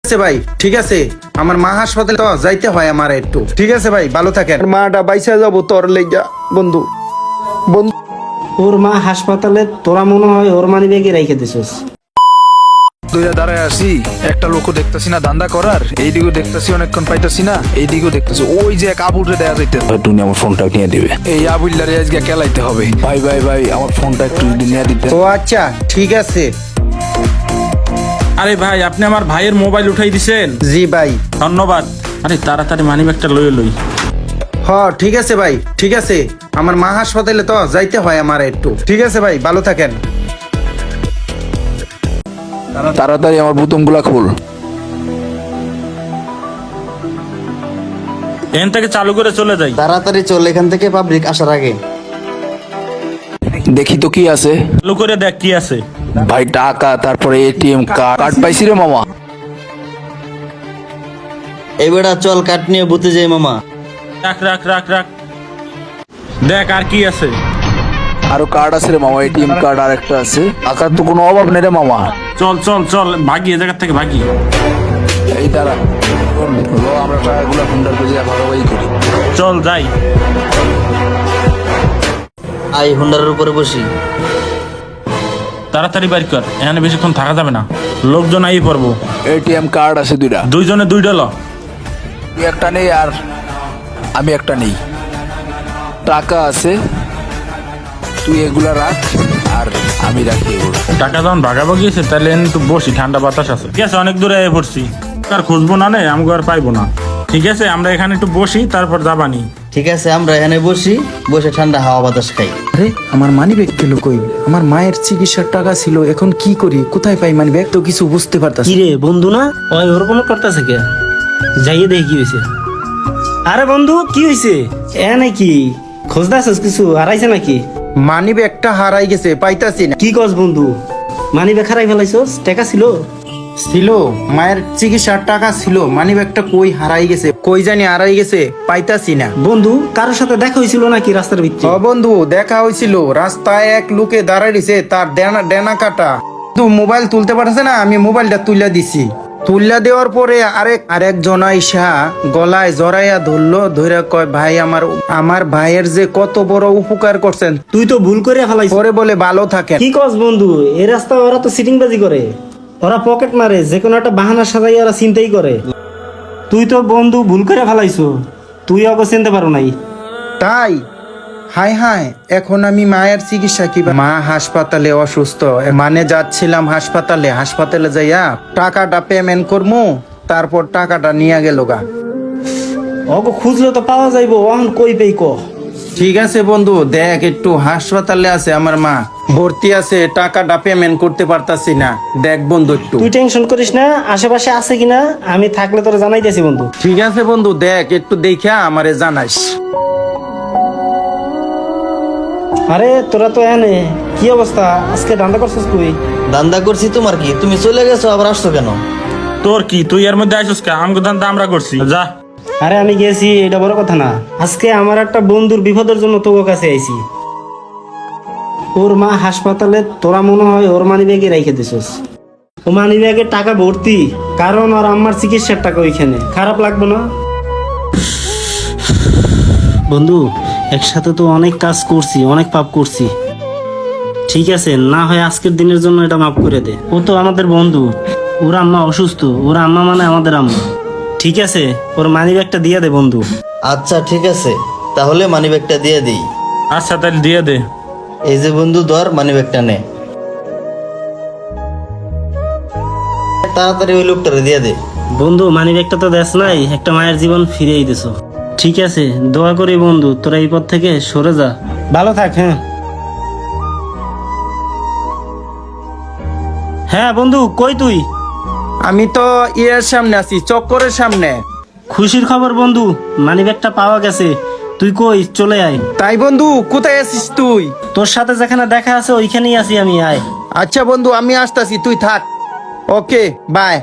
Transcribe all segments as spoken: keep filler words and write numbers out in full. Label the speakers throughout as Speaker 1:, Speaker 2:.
Speaker 1: আছে ভাই, ঠিক আছে। আমার মা হাসপাতালে তো যাইতে হয় আমার একটু। ঠিক আছে ভাই, ভালো থাকেন। মাটা বাইসা যাবো তোর লেগা বন্ধু। বন্ধু
Speaker 2: ওর মা হাসপাতালে, তোরা মনে হয় ওর মানি ব্যাগে রেখে দিছিস।
Speaker 3: দুইটা দাঁড়ায় আসি, একটা লোকও দেখতেছি না ধান্দা করার, এইদিকেও দেখতেছি অনেকক্ষণ পাইতাছি না, এইদিকেও দেখতেছি। ওই যে এক আবুরে দেয়া যাইতে, তুমি আমার ফোনটা নিয়ে দিবে। এই আবুল্লারে আজকে কেলাইতে হবে। ভাই ভাই ভাই আমার ফোনটা একটু যদি নিয়ে দিতে।
Speaker 1: ও আচ্ছা, ঠিক আছে।
Speaker 4: আরে ভাই, আপনি আমার ভাইয়ের মোবাইল উঠাই দিছেন।
Speaker 1: জি ভাই,
Speaker 4: ধন্যবাদ। আরে তাড়াতাড়ি মানি ব্যাগটা লয়ে লই।
Speaker 1: হ ঠিক আছে ভাই, ঠিক আছে। আমার মা হাসপাতালে তো যাইতে হয় আমার একটু। ঠিক আছে ভাই, ভালো থাকেন।
Speaker 3: তাড়াতাড়ি আমার বোতামগুলা খোল।
Speaker 4: এখান থেকে চালু করে চলে যাই।
Speaker 5: তাড়াতাড়ি চল এখান থেকে, পাবলিক আসার আগে।
Speaker 3: দেখি তো কি আছে।
Speaker 4: চালু করে দেখ কি আছে।
Speaker 3: ভাই টাকা, তারপরে এটিএম কার্ড কার্ড পাইছি রে মামা।
Speaker 5: এবারে চল কাট নিয়ে বুতে যাই মামা।
Speaker 4: রাখ রাখ রাখ রাখ। দেখ আর কি আছে।
Speaker 3: আরো কার্ড আছে রে মামা, এটিএম কার্ড আর একটা আছে। টাকার তো কোনো অভাব নেই রে মামা।
Speaker 4: চল চল চল, ভাগি এ জায়গা থেকে ভাগি।
Speaker 3: এই দাঁড়া, লো, আমরা টাকাগুলো ফোনটার পেজে ভাগাভাগি করি।
Speaker 4: চল যাই।
Speaker 5: আই হুন্ডারের উপরে বসি।
Speaker 4: তাড়াতাড়ি বাইর কর, এখানে বেশিক্ষণ থাকা যাবে না, লোকজন আই পড়বো।
Speaker 3: এটিএম কার্ড আছে দুইটা,
Speaker 4: দুইজনে দুইটা ল।
Speaker 3: তুই একটা নেই আর আমি একটা নেই। টাকা আছে, তুই এগুলা রাখ আর আমি রাখি এগুলো।
Speaker 4: টাকা যখন ভাগাভাগি আছে তাহলে একটু বসি, ঠান্ডা বাতাস আছে। ঠিক আছে, অনেক দূরে এসে পড়ছি, আর খুঁজবো না, নেই আমাকে আর পাইবো না। ঠিক আছে, আমরা এখানে একটু বসি, তারপর যাবানি।
Speaker 5: ঠিক আছে, আমরা এখানে বসি, বসে ঠান্ডা হাওয়া বাতাস খাই।
Speaker 1: আরে আমার মানি ব্যাগ গেল কই? আমার মায়ের চিকিৎসার টাকা ছিল, এখন কি করি? কোথায় পাই মানি ব্যাগ? তো কিছু বুঝতে পারতাছি।
Speaker 2: কি রে বন্ধু, না ওই ওরকম করতেছে কে? যাইয়ে দেখি কি হয়েছে। আরে বন্ধু, কি হয়েছে? এ নাকি খোঁজদাছিস কিছু হারাইছে নাকি?
Speaker 1: মানি ব্যাগটা হারাই গেছে, পাইতাছি না।
Speaker 2: কি কস বন্ধু, মানি ব্যাগ হারাই ফেলাইছস? টাকা ছিল
Speaker 1: ছিল, মায়ের চিকিৎসার টাকা ছিল, মানি ব্যাগটা কই হারাই গেছে, কই জানি হারাই গেছে, পাইতাছি না।
Speaker 2: বন্ধু, কারোর সাথে দেখা হয়েছিল নাকি রাস্তার
Speaker 1: ও
Speaker 2: ভিতরে?
Speaker 1: বন্ধু, দেখা হয়েছিল, রাস্তায় এক লোকে দাঁড়াইছে, তার ডেনা ডেনা কাটা। তো মোবাইল তুলতে পারছে না, আমি মোবাইলটা তুলে দিছি। তুল্লা দেওয়ার পরে আরেক আরেক জন আইসা গলায় জড়াইয়া ধরলো, ধরে কয় ভাই, আমার আমার ভাইয়ের যে কত বড় উপকার করছেন,
Speaker 2: তুই তো ভুল করে ফেলাইছ।
Speaker 1: পরে বলে ভালো থাকেন।
Speaker 2: কি কস বন্ধু, এই রাস্তায় ওরা তো সিটিংবাজি করে, ওরা পকেট মারে, যে কোনো একটা বাহানা সাজাই ওরা চিন্তাই করে। তুই তো বন্ধু ভুল করে ফেলাইছো, তুই ওকে চিনতে পারো নাই।
Speaker 1: তাই হাই হাই, এখন আমি মায়ের চিকিৎসা কি? মা হাসপাতালে অসুস্থ, মানে যাচ্ছিলাম হাসপাতালে, হাসপাতালে যাইয়া টাকাটা পেমেন্ট করবো, তারপর টাকাটা নিয়ে গেল গা।
Speaker 2: ওকে খুঁজলে তো পাওয়া যাইবো, ওহন কই পেই ক।
Speaker 1: ঠিক আছে বন্ধু, দেখ একটু হাসপাতালে আছে আমার মা, ভর্তি আছে, টাকাটা পেমেন্ট করতে পারতাছি না, দেখ বন্ধু একটু।
Speaker 2: তুই টেনশন করিস না, আশেপাশে আছে কিনা আমি থাকলে তোরা জানাইতেছি বন্ধু।
Speaker 1: ঠিক আছে বন্ধু, দেখ একটু দেখা আমারে জানাইস।
Speaker 2: আরে তোরা তো এনে কি অবস্থা, আজকে ধান্দা করছিস তুই?
Speaker 5: দান্দা করছি, তোমার কি? তুমি চলে গেছো, আবার আসছো কেন?
Speaker 4: তোর কি, তুই এর মধ্যে আইসস কে? আমগো দান্দা আমরা করছি, যা।
Speaker 2: আরে আমি গেছি, এটা বড় কথা না। আজকে আমার একটা বন্ধুর বিপদের জন্য তোর কাছে আইছি। ওর মা হাসপাতালে, তোরা মনে হয় ওর মানি ব্যাগে রেখে দিছিস। ও মানি ব্যাগে টাকা ভর্তি, কারণ ওর আম্মার চিকিৎসার টাকা ওইখানে। খারাপ লাগবে না বন্ধু? একসাথে তো অনেক কাজ করছি, অনেক পাপ করছি। ঠিক আছে, না হয় আজকের দিনের জন্য এটা মাফ করে দে। ও তো আমাদের বন্ধু, ওর আম্মা অসুস্থ, ওর আম্মা মানে আমাদের আম্মা। ঠিক আছে, ওর মানি ব্যাগটা দিয়ে দে বন্ধু।
Speaker 5: আচ্ছা ঠিক আছে, তাহলে মানি ব্যাগটা দিয়ে দিই।
Speaker 4: আচ্ছা তাহলে দিয়ে দে।
Speaker 5: এই যে বন্ধু, ধর মানি ব্যাগটা নে। তাড়াতাড়ি ওই লোকটারে দিয়ে দে।
Speaker 2: বন্ধু, মানি ব্যাগটা তো দেশ নাই, একটা মায়ের জীবন ফিরিয়ে দিছো। ঠিক আছে, দোয়া করি বন্ধু, তোরা এই পথ থেকে সরে যা, ভালো থাক। হ্যাঁ হ্যাঁ বন্ধু, কই তুই?
Speaker 1: আমি তো ইয়ের সামনে আছি, চক্করের সামনে।
Speaker 2: খুশির খবর বন্ধু, মানি ব্যাগটা পাওয়া গেছে। তুই কই, চলে আয়।
Speaker 1: তাই বন্ধু, কোথায় আছিস তুই?
Speaker 2: তোর সাথে যেখানে দেখা আছে ওইখানেই আছি আমি, আয়।
Speaker 1: আচ্ছা বন্ধু, আমি আসতাছি, তুই থাক। ওকে, বাই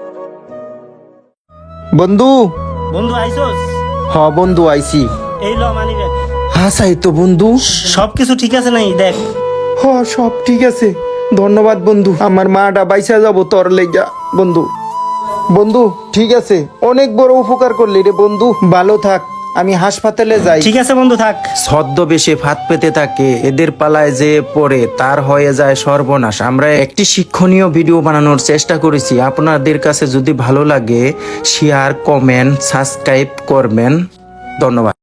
Speaker 1: বন্ধু।
Speaker 2: বন্ধু আইসোস?
Speaker 1: হ বন্ধু, আইছি।
Speaker 2: এই ল মানি ব্যাগ।
Speaker 1: হাসাই তো বন্ধু,
Speaker 2: সবকিছু ঠিক আছে নাই? দেখ।
Speaker 1: হ সব ঠিক আছে, ধন্যবাদ বন্ধু। আমার মাটা বাইসা যাবো তোর লেগা বন্ধু। বন্ধু ঠিক আছে, অনেক বড় উপকার করলি রে বন্ধু, ভালো থাক, আমি হাসপাতালে যাই।
Speaker 2: ঠিক আছে বন্ধু, থাক।
Speaker 1: ছদ্মবেশে ফাঁদ পেতে থাকে, এদের পালায় যে পড়ে তার হয়ে যায় সর্বনাশ। আমরা একটি শিক্ষণীয় ভিডিও বানানোর চেষ্টা করেছি, আপনাদের কাছে যদি ভালো লাগে শেয়ার, কমেন্ট, সাবস্ক্রাইব করবেন। ধন্যবাদ।